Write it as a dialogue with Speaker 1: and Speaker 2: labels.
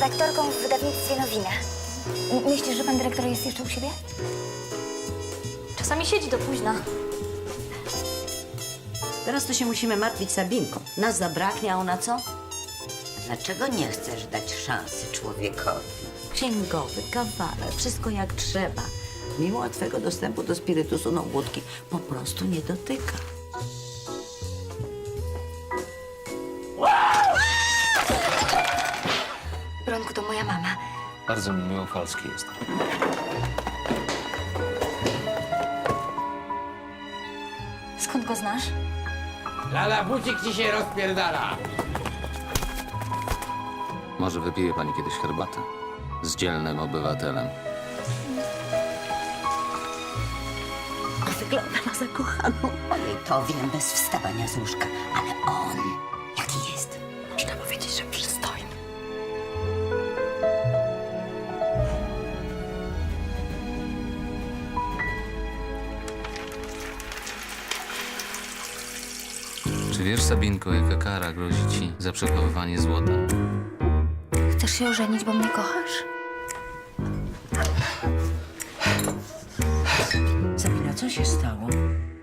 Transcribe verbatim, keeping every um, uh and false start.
Speaker 1: redaktorką w wydawnictwie Nowina. M- Myślisz, że pan dyrektor jest jeszcze u siebie?
Speaker 2: Czasami siedzi do późna.
Speaker 3: Teraz to się musimy martwić Sabinką. Nas zabraknie, a ona co?
Speaker 4: Dlaczego nie chcesz dać szansy człowiekowi?
Speaker 3: Księgowy, kawaler, wszystko jak trzeba. Mimo łatwego dostępu do spirytusu, no wódki po prostu nie dotyka.
Speaker 1: Bronku, to moja mama.
Speaker 5: Bardzo mi miło, Falski jest.
Speaker 2: Skąd go znasz?
Speaker 6: Lala, bucik ci się rozpierdala.
Speaker 5: Może wypije pani kiedyś herbatę? Z dzielnym obywatelem.
Speaker 3: A wygląda na zakochaną.
Speaker 4: Ojej, to wiem bez wstawania z łóżka, ale on, jaki jest?
Speaker 3: Można powiedzieć, że przystojny.
Speaker 5: Czy wiesz, Sabinko, jaka kara grozi ci za przechowywanie złota?
Speaker 1: Chcesz się ożenić, bo mnie kochasz?
Speaker 3: Sabina, co się stało?